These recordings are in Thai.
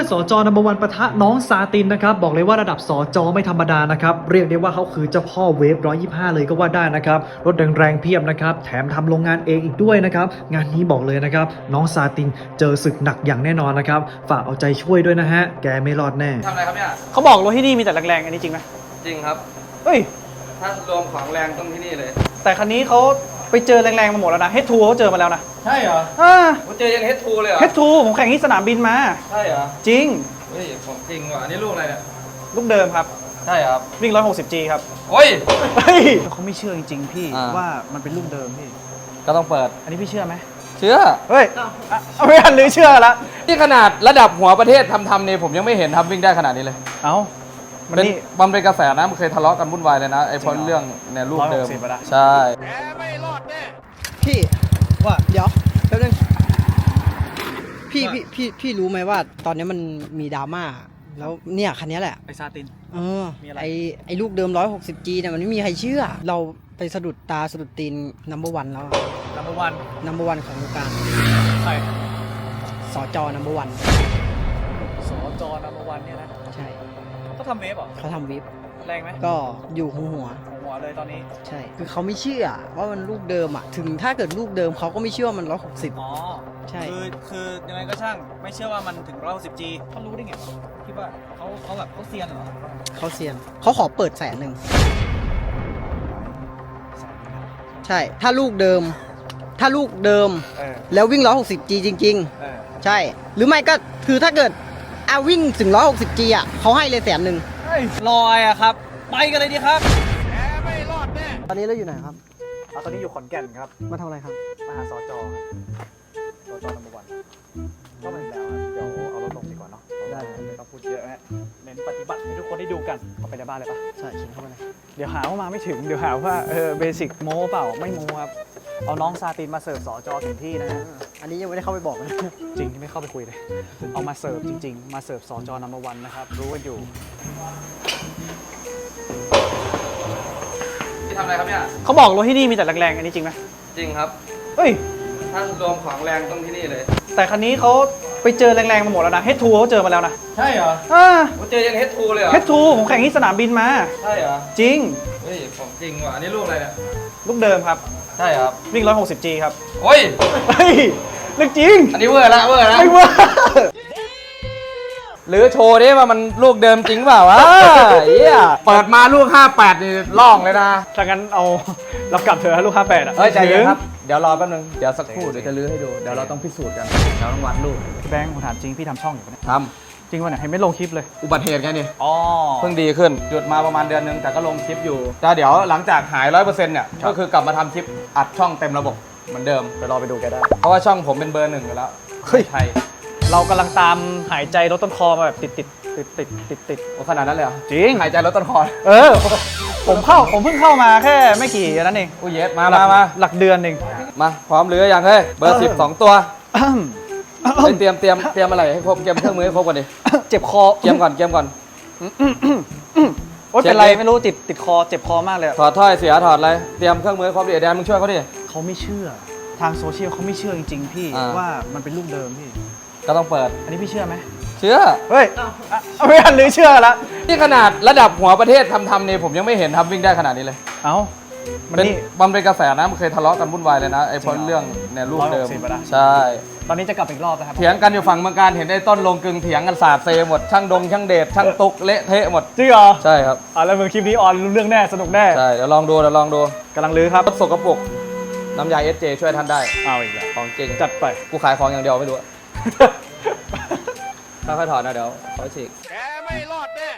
สจนัมเบอร์วันปะทะน้องซาตินนะครับบอกเลยว่าระดับสจไม่ธรรมดานะครับเรียกได้ว่าเขาคือเจ้าพ่อเวฟ125เลยก็ว่าได้นะครับรถแรงๆเพียบนะครับแถมทำโรงงานเองอีกด้วยนะครับงานนี้บอกเลยนะครับน้องซาตินเจอศึกหนักอย่างแน่นอนนะครับฝากเอาใจช่วยด้วยนะฮะแกไม่รอดแน่ทำอะไรครับเนี่ยเขาบอกรถที่นี่มีแต่แรงๆอันนี้จริงไหมจริงครับเฮ้ยถ้ารวมของแรงต้องที่นี่เลยแต่คันนี้เขาไปเจอแรงๆมาหมดแล้วนะ H2 เขาเจอมาแล้วนะใช่เหรอผมเจอยัน H2 เลยเหรอ H2 ผมแข่งที่สนามบินมาใช่เหรอจริงเฮ้ยผมจริงว่ะอันนี้ลูกอะไรเนี่ยลูกเดิมครับใช่ครับวิ่ง160G ครับโอ้ยเขาไม่เชื่อจริงๆพี่ว่ามันเป็นลูกเดิมพี่ก็ต้องเปิดอันนี้พี่เชื่อไหมเชื่อเฮ้ยเอาไม่ทันหรือเชื่อละนี่ขนาดระดับหัวประเทศทำเนี่ยผมยังไม่เห็นทำวิ่งได้ขนาดนี้เลยเอ้ามันเป็นกระแสนะมันเคยทะเลาะกันวุ่นวายเลยนะไอ้เพราะเรื่องในลูกเดิมใช่พี่ว่าเดี๋ยวแป๊บนึงพี่รู้ไหมว่าตอนนี้มันมีดราม่าแล้วเนี่ยคันนี้แหละไอซาตินไอลูกเดิม 160G เนี่ยมันไม่มีใครเชื่อเราไปสะดุดตาสะดุดตีนนัมเบอร์วันแล้วนัมเบอร์วันของวงการใช่สจนัมเบอร์วันสจนัมเบอร์วันเนี่ยนะใช่เขาทำเวฟเหรอเขาทำเวฟแรงไหมก็อยู่หัวเลยตอนนี้ใช่คือเขาไม่เชื่อว่ามันลูกเดิมอ่ะถึงถ้าเกิดลูกเดิมเขาก็ไม่เชื่อว่ามัน160 อ๋อใช่คือยังไงก็ช่างไม่เชื่อว่ามันถึง160Gเขารู้ได้ไงคิดว่าเขาแบบเขาเซียนเหรอเขาเซียนเขาขอเปิด100,000ใช่ถ้าลูกเดิมแล้ววิ่ง 160G จริงๆใช่หรือไม่ก็คือถ้าเกิดวิ่งถึง 160G อ่ะเขาให้เลย 100,000ลอยอะครับไปกันเลยดีครับไม่รอดแน่ตอนนี้เราอยู่ไหนครับตอนนี้อยู่ขอนแก่นครับมาทำอะไรครับมาหาสจนัมเบอร์วันก็เป็นแล้วเดี๋ยวเอารถลงดีกว่าเนาะได้ไม่ต้องพูดเยอะนะเน้นปฏิบัติให้ทุกคนได้ดูกันเข้าไปในบ้านเลยปะใช่เขียนเข้าไปเลยเดี๋ยวหาว่ามาไม่ถึงเดี๋ยวหาว่าเบสิกโม้เปล่าไม่โม้ครับเอาน้องซาตินมาเสิร์ฟสจถึงที่นะอันนี้ยังไม่ได้เข้าไปบอกเลยจริงที่ไม่เข้าไปคุยเลยเอามาเสิร์ฟจริงๆมาเสิร์ฟสจนัมเบอร์วันนะครับรู้กันอยู่ทำอะไรครับเนี่ยเขาบอกรถที่นี่มีแต่แรงๆอันนี้จริงไหมจริงครับเฮ้ยถ้ารวมของแรงต้องที่นี่เลยแต่คันนี้เขาไปเจอแรงๆมาหมดแล้วนะ H2 เขาเจอมาแล้วนะใช่เหรอผมเจอยัน H2 เลยเหรอ H2 ผมแข่งที่สนามบินมาใช่เหรอจริงเฮ้ยผมจริงว่ะอันนี้ลูกอะไรเนี่ยลูกเดิมครับใช่ครับวิ่ง160G ครับโอ้ยเรื่องจริงอันนี้เวอร์ละไม่เวอร์หรือโชว์ดิว่ามันลูกเดิมจริงเปล่าวะเปิดมาลูก58นี่ล่องเลยนะถ้างั้นเอาเรากลับเถอะลูก58อ่ะใจเย็นครับเดี๋ยวรอแป๊บนึงเดี๋ยวสักครู่เดี๋ยวจะลื้อให้ดูเดี๋ยวเราต้องพิสูจน์กันเราต้องวัดลูกพี่แบงค์ผมถามจริงพี่ทำช่องอยู่ปะเนี่ยทำจริงวะเนี่ยเห็นไม่ลงคลิปเลยอุบัติเหตุไงนี่เพิ่งดีขึ้นหยุดมาประมาณเดือนนึงแต่ก็ลงคลิปอยู่แต่เดี๋ยวหลังจากหาย 100% เนี่ยก็คือกลับมาทำคลิปอัดช่องเต็มระบบเหมือนเดิมไปรอไปดูแกได้เพราะว่าช่องผมเป็นเบอร์ 1อยู่แล้วเฮ้ยไทยเรากำลังตามหายใจรถต้นคอมาแบบติดโอ้ขนาดนั้นเลยเหรอจริงหายใจรถต้นคอผมเพิ่งเข้ามาแค่ไม่กี่นั้นเองอุ้ยเย็ดมาหลักเดือนเองมาพร้อมหรือยังเฮ้ยเบอร์ 10 2 ตัวเตรียมอะไรให้ครบเตรียมเครื่องมือให้ครบก่อนดิเจ็บคอเตรียมก่อนโอ๊ยเป็นไรไม่รู้ติดคอเจ็บคอมากเลยถอดถ้อยเสียถอดอะไรเตรียมเครื่องมือให้ครบดิแดนมึงช่วยเขาดิเขาไม่เชื่อทางโซเชียลเขาไม่เชื่อจริงๆพี่ว่ามันเป็นลูกเดิมพี่ก็ต้องเปิดอันนี้พี่เชื่อไหมเชื่อเฮ้ยไม่ทันหรือเชื่อละนี่ขนาดระดับหัวประเทศทำเนี่ยผมยังไม่เห็นทำวิ่งได้ขนาดนี้เลยมันเป็นกระแสนะมันเคยทะเลาะกันวุ่นวายเลยนะไอ้เพราะเรื่องในลูกเดิมใช่ตอนนี้จะกลับอีกรอบนะครับเถียงกันอยู่ฝั่งเมืองการเห็นไอ้ต้นลงกึ่งเถียงกันสาดเซหมดช่างช่างเดชช่างตุกเละเทะหมดจริงเหรอใช่ครับแล้วมือคลิปนี้ออนเรื่องแน่สนุกแน่ใช่เดี๋ยวลองดูกำลังลื้อครับรถสกปรกน้ำยา SJ ช่วยท่านได้เอาอีกแล้วของจริงจัดไปกูขายของอย่างเดียวไม่รู้ค่อยๆถอดนะเดี๋ยวขอฉีกแกไม่รอดแน่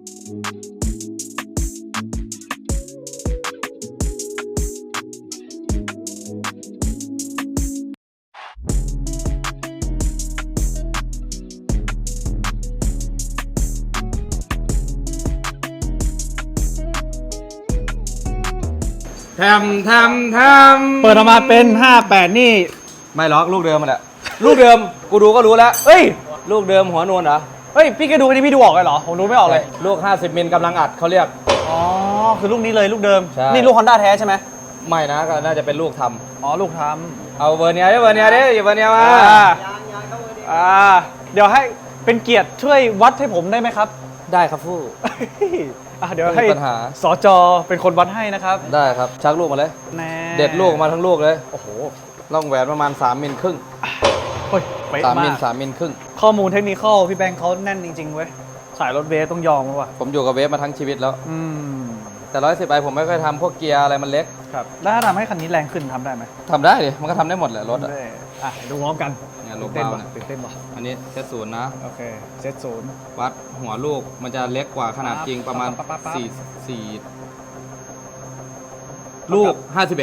เปิดออกมาเป็น58นี่ไม่ล็อกลูกเดิมมันแหละลูกเดิมกูดูก็รู้แล้วเอ้ยลูกเดิมหัวนวลเหรอเฮ้ยพี่แกดูอันนี้พี่ดูออกเลยเหรอผมดูไม่ออกเลยลูก50 มิลกำลังอัดเขาเรียกคือลูกนี้เลยลูกเดิมนี่ลูก Honda แท้ใช่ไหมไม่นะก็น่าจะเป็นลูกทำลูกทำเอาเวอร์เนียดิอย่าเวอร์เนียมาเดี๋ยวให้เป็นเกียรติช่วยวัดให้ผมได้ไหมครับได้ครับฟู่เดี๋ยวไม่ให้มีปัญหาสจเป็นคนวัดให้นะครับได้ครับชักลูกมาเลยแน่เด็ดลูกมาทั้งลูกเลยโอ้โหร่องแหวนประมาณ3มิลครึ่งเฮ้ยเป๊ะ 3มิมาลก 3มิลครึ่งข้อมูลเทคนิคพี่แบงค์เขาแน่นจริงๆเว้ยสายรถเวฟต้องยอมแล้วว่ะผมอยู่กับเวฟมาทั้งชีวิตแล้ว แต่110ไอผมไม่ค่อยทำพวกเกียร์อะไรมันเล็กครับแล้วถ้าทำให้คันนี้แรงขึ้นทำได้ไหมทำได้ดิมันก็ทำได้หมดแหละรถอะได้ดูพร้อมกันเนี่ยโลตื่นเบาเต้นเนี่ยตื่นเต้นป่ะอันนี้เซตศูนย์นะโอเคเซตศูนย์วัดหัวลูกมันจะเล็กกว่าขนาดจริงประมาณปั๊บ 4ลูก 51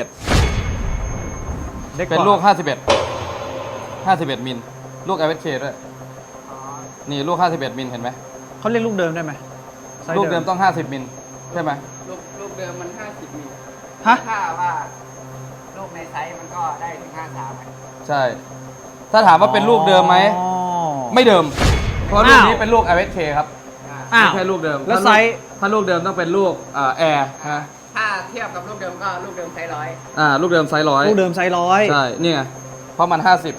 เป็นลูก 51 มิล ลูก LSK ด้วย นี่ลูก 51 มิล เห็นไหมเขาเรียกลูกเดิมได้ไหมไซส์ลูกเดิมต้อง 50 มิล ใช่ไหมลูกเดิมมัน50มิลฮะถ้าว่าลูกในไซส์มันก็ได้ถึง53 ใช่ ถ้าถามว่าเป็นลูกเดิมไหมอ๋อไม่เดิม เพราะลูกนี้อ้าวเป็นลูก LSK ครับอ้าวไม่ใช่ลูกเดิมแล้วไซส์ถ้าลูกเดิมต้องเป็นลูกแอร์ฮะถ้าเทียบกับลูกเดิมก็ลูกเดิมไซส์ร้อยลูกเดิมไซส์ร้อยลูกเดิมไซส์ร้อยใช่ นี่ไง เพราะมัน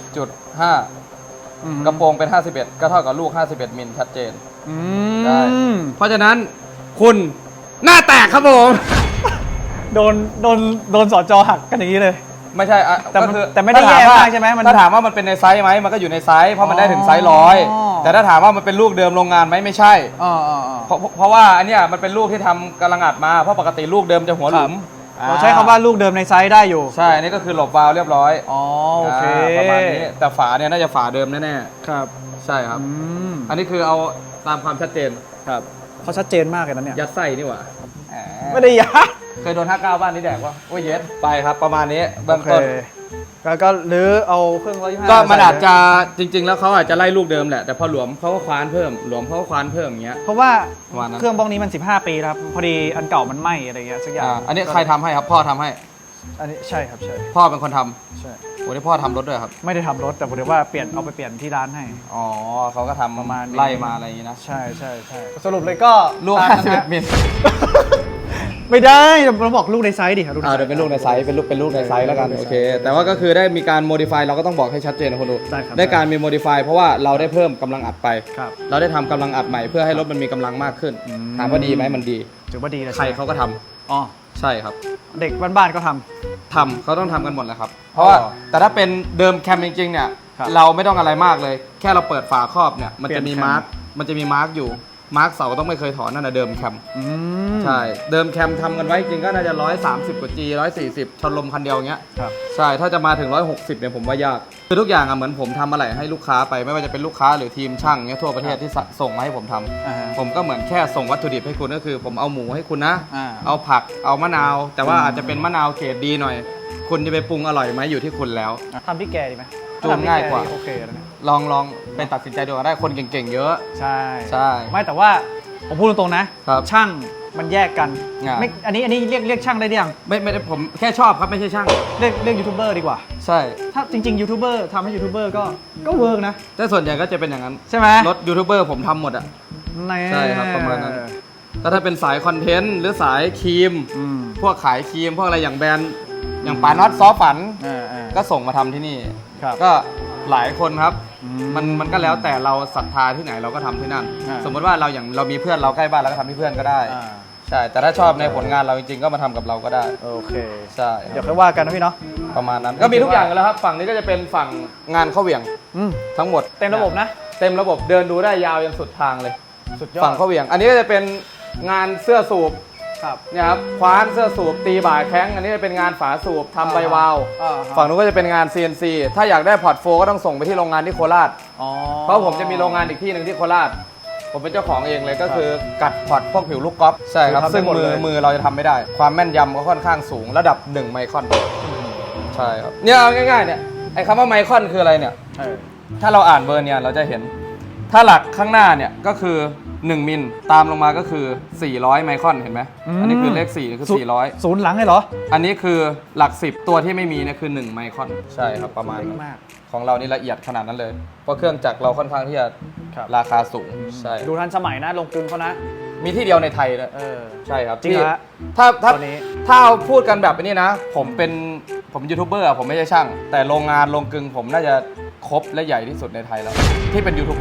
50.5 กระโปรงเป็น 51 ก็เท่ากับลูก 51 มิลชัดเจน ได้ เพราะฉะนั้นคุณหน้าแตกครับผมโดนสจหักกันอย่างนี้เลยไม่ใช่อะแต่มันก็คือแต่ไม่ได้ถ้ถแย่ว่มากใช่ไหมมันถ้าถามว่ามันเป็นในไซส์ไหมมันก็อยู่ในไซส์เพราะมันได้ถึงไซส์ร้อยอ๋อแต่ถ้าถามว่ามันเป็นลูกเดิมโรงงานไหมไม่ใช่ เพราะว่าอันเนี้ยมันเป็นลูกที่ทำกำลังอัดมาเพราะปกติลูกเดิมจะหัวหลุมเราใช้คำว่าลูกเดิมในไซส์ได้อยู่ใช่อันนี้ก็คือหลบวาล์วเรียบร้อยอ๋อโอเคประมาณนี้แต่ฝาเนี่ยน่าจะฝาเดิมแน่ครับๆใช่ครับอืมอันนี้คือเอาตามความชัดเจนครับเขาชัดเจนมากเลยนะเนี่ยยัดไส้นี่หว่าไม่ได้ยัดเคยโดน59บ้านนี้แดกวะโอ้ยเย็ดไปครับประมาณนี้เบื้องโอเคต้นก็หรือเอาเครื่อง125 ก็มันอาจจะจริง ๆ แล้วเขาอาจจะไล่ลูกเดิมแหละแต่พอหลวมเขาก็คว้านเพิ่มหลวมเขาก็คว้านเพิ่มอย่างเงี้ยเพราะว่าประมาณนั้นเครื่องบล็อกนี้มัน15 ปีแล้วครับพอดีอันเก่ามันไหม้อะไรเงี้ยสักอย่างอันนี้ใครทำให้ครับพ่อทำให้อันนี้ใช่ครับใช่พ่อเป็นคนทำใช่โอ้ที่พ่อทำรถด้วยครับไม่ได้ทำรถแต่ผมเรียกว่าเอาไปเปลี่ยนที่ร้านให้อ๋อเขาก็ทำประมาณนี้ไล่มาอะไรอย่างงี้นะใช่สรุปเลยก็ลูกตามนั้นนะ 51มิลไม่ได้เราบอกลูกในไซส์ดิครับลูกในไซส์เดี๋ยวเป็นลูกในไซส์เป็นลูกในไซส์แล้วกันโอเคแต่ว่าก็คือได้มีการโมดิฟายเราก็ต้องบอกให้ชัดเจนนะคนดูได้ครับได้การมีโมดิฟายเพราะว่าเราได้เพิ่มกำลังอัดไปครับเราได้ทำกำลังอัดใหม่เพื่อให้รถมันมีกำลังมากขึ้น ถามว่าดีไหมมันดีถือว่าดีนะใครเขาก็ทำอ๋อใช่ครับเด็กบ้านๆก็ทำเขาต้องทำกันหมดแหละครับ เพราะว่าอ๋อแต่ถ้าเป็นเดิมแคมจริงๆเนี่ยครับเราไม่ต้องอะไรมากเลย แค่เราเปิดฝาครอบเนี่ยมันเปลี่จะยนมีแคมมาร์กอยู่มาร์กเสาต้องไม่เคยถอนนั่นนะเดิมแคมอืมใช่เดิมแคมทำกันไว้จริงก็น่าจะ130กว่า G 140ชนลมคันเดียวอย่างเงี้ยครับใช่ถ้าจะมาถึง160เนี่ยผมว่ายากคือทุกอย่างอะเหมือนผมทำอะไรให้ลูกค้าไปไม่ว่าจะเป็นลูกค้าหรือทีมช่างเงี้ยทั่วประเทศที่ส่งมาให้ผมทำอ่าฮะผมก็เหมือนแค่ส่งวัตถุดิบให้คุณก็คือ ผมเอาหมูให้คุณนะอ่าเอาผักเอามะนาว แต่ว่าอาจจะเป็นมะนาวเกรดดีหน่อย คุณจะไปปรุงอร่อยไหมอยู่ที่คุณแล้วทำที่แกดีไหมจูนง่ายกว่าโอเคแล้วเนี่ยลองไปตัดสินใจดูกันได้คนเก่งๆเยอะใช่ใช่ไม่แต่ว่าผมพูดตรงๆนะครับ ช่างมันแยกกันอ่าไม่อันนี้เรียกช่างได้หรือยังไม่ได้ผมแค่ชอบครับไม่ใช่ช่างเรียกยูทูบเบอร์ดีกว่าใช่ถ้าจริงๆยูทูบเบอร์ทำให้ยูทูบเบอร์ก็เวิร์กนะแต่ส่วนใหญ่ก็จะเป็นอย่างนั้นใช่ไหมรถยูทูบเบอร์ผมทำหมดอะ ใช่ครับประมาณนั้น แต่ถ้าเป็นสายคอนเทนต์หรือสายครีมอืมพวกขายครีมพวกอะไรอย่างแบรนด์อย่างปาน็อตซอฝันก็ก็ส่งมาทำที่นี่ครับก็หลายคนครับอืมันก็แล้วแต่เราศรัทธาที่ไหนเราก็ทำที่นั่นอ่าสมมติว่าเรามีเพื่อนเราใกล้บ้านเราก็ทำที่เพื่อนก็ได้อ่าใช่ แต่ถ้าชอบในผลงานเราจริงๆก็มาทำกับเราก็ได้โอเคใช่เดี๋ยวค่อยว่ากันนะพี่เนาะประมาณนั้น ก็มีทุกอย่างกันแล้วครับ ฝั่งนี้ก็จะเป็นฝั่งงานเข้าเหวี่ยงอืมทั้งหมดเต็มระบบนะเต็มระบบเดินดูได้ยาวยันสุดทางเลยสุดยอดฝั่งเข้าเหวี่ยง อันนี้ก็จะเป็นงานเสื้อสูบครับเนี่ยครับคว้านเสื้อสูบตีบ่าแข้งอันนี้จะเป็นงานฝาสูบทำใบวาล์วอ่าฝั่งนู้นก็จะเป็นงาน CNC ถ้าอยากได้พอร์ตโฟก็ต้องส่งไปที่โรงงานที่โคราชอ๋อเพราะผมจะมีโรงงานอีกที่หนึ่งที่โคราช ผมเป็นเจ้าของเองเลยก็คือกัดพอร์ตพวกผิวลูกกอล์ฟใช่ครับคือทำได้ซึ่งหมดเลยมือเราจะทำไม่ได้ ความแม่นยำก็ค่อนข้างสูงระดับ1ไมครอนใช่ครับเนี่ยเอาง่ายๆเนี่ยไอ้คำว่าไมครอนคืออะไรเนี่ยเออถ้าเราอ่านเบอร์เนี่ยเราจะเห็น ถ้าหลักข้างหน้าเนี่ยก็คือ1มิลตามลงมาก็คือ400ไมครอนเห็นไหมอันนี้คือเลข4คือ400 ศูนย์หลังเลยเหรออันนี้คือหลัก10ตัวที่ไม่มีเนี่ยคือ1ไมครอนใช่ครับประมาณนั้นมากของเรานี่ละเอียดขนาดนั้นเลย เพราะเครื่องจักรเราค่อนข้างที่จะครับราคาสูงใช่ดูทันสมัยนะลงกลึงเขานะมีที่เดียวในไทยเลยเออใช่ครับจริงที่เหรอถ้าตอนนี้ถ้าเอาพูดกันแบบนี้นะ ผมยูทูบเบอร์อะผมไม่ใช่ช่าง แต่โรงงานโรงกลึงผมน่าจะครบและใหญ่ที่สุดในไทยแล้ว ที่เป็นยูทูบเบอร์นะ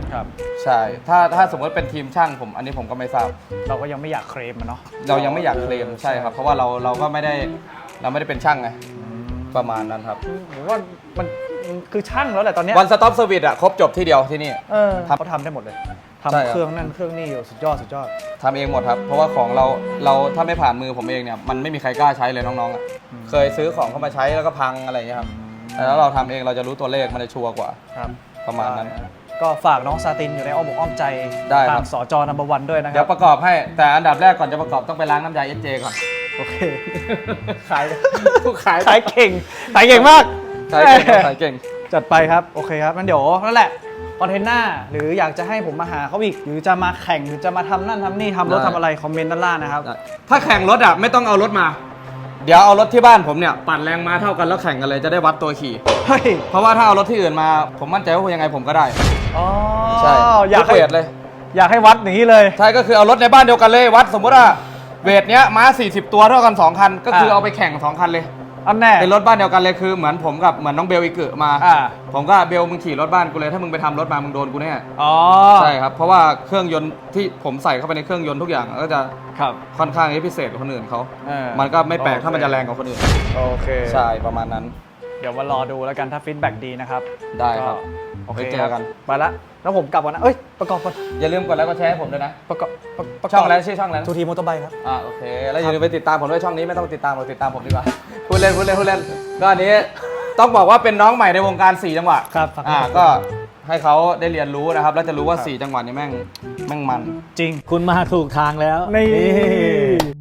ครับใช่ ถ้าสมมติเป็นทีมช่างผมอันนี้ผมก็ไม่ทราบเราก็ยังไม่อยากเคลมมันเนาะเรายังไม่อยากเคลมใช่ครับ เพราะว่าเราก็ไม่ได้เป็นช่างไงประมาณนั้นครับผมว่ามันคือช่างแล้วแหละตอนเนี้ยวันสต็อปเซอร์วิสอะครบจบที่เดียวที่นี่เขาทำได้หมดเลยใช่ทำครับเครื่องนั่นเครื่องนี่อยู่สุดยอดสุดยอดทำเองหมดครับ เพราะว่าของเราถ้าไม่ผ่านมือผมเองเนี่ยมันไม่มีใครกล้าใช้เลยน้องๆอะเคยซื้อของเข้ามาใช้แล้วก็พังอะไรอย่างเงี้ยครับแต่ถ้าเราทำเองเราจะรู้ตัวเลขมันจะชัวร์กว่าครับประมาณนั้นก็ฝากน้องซาตินอยู่ในอ้อมอกอ้อมใจได้ครับทางสจนัมเบอร์วันด้วยนะคเดี๋รัยวประกอบให้แต่อันดับแรกก่อนจะประกอบต้องไปล้างน้ำยา SJ ก่อนโอเค ขายผู้ขายขายเก่งขายเก่งมากขายเก่งครับขายเก่งจัดไปครับ โอเคครับงั้นเดี๋ยวนั่นแหละคอนเทนต์หน้าหรืออยากจะให้ผมมาหาเขาอีก หรือจะมาแข่งหรือจะมาทำนั่นทำนี่ทำรถได้ทำอะไร คอมเมนต์ด้านล่างนะครับถ้าแข่งรถอ่ะไม่ต้องเอารถมา เดี๋ยวเอารถที่บ้านผมเนี่ยปั่นแรงม้าเท่ากันแล้วแข่งกันเลยจะได้วัดตัวขี่เฮ้ยเพราะว่าถ้าเอารถที่อื่นมาผมมั่นใจว่ายังไงผมก็ได้อ๋อใช่อยากทุให้เวทเลยอยากให้วัดอย่างนี้เลยใช่ก็คือเอารถในบ้านเดียวกันเลยวัดสมมติว่าเวทเนี้ยม้า40 ตัวเท่ากัน2คันก็คือเอาไปแข่ง2คันเลยอันแน่เป็นรถบ้านเดียวกันเลยคือเหมือนผมกับเหมือนน้องเบลอีกึมา ผมก็เบลมึงขี่รถบ้านกูเลยถ้ามึงไปทำรถมามึงโดนกูแน่อ๋อใช่ครับเพราะว่าเครื่องยนต์ที่ผมใส่เข้าไปในเครื่องยนต์ทุกอย่างก็จะครับค่อนข้างพิเศษกว่าคนอื่นเขาเออมันก็ไม่แปลกโอเคถ้ามันจะแรงกว่าคนอื่นโอเคใช่ประมาณนั้นเดี๋ยวมารอดูแล้วกันถ้าฟีดแบ็กดีนะครับได้ครับโอเคไว้เจอกันไปละแล้วผมกลับก่อนนะ เอ้ย ประกอบก่อนอย่าลืมกดไลค์กดแชร์ให้ผมด้วยนะประกอบประกบช่องอะไรชื่อช่องอะไรนะทูทีมอเตอร์ไบค์ครับโอเคแล้วอย่าลืมไปติดตามผมด้วยช่องนี้ไม่ต้องติดตามผมติดตามผมดีกว่า พูดเล่นก็อันนี้ต้องบอกว่าเป็นน้องใหม่ในวงการ4จังหวะครับก็ให้เขาได้เรียนรู้นะครับแล้วจะรู้ว่า4จังหวะนี้แม่งมันจริงคุณมาถูกทางแล้วนี่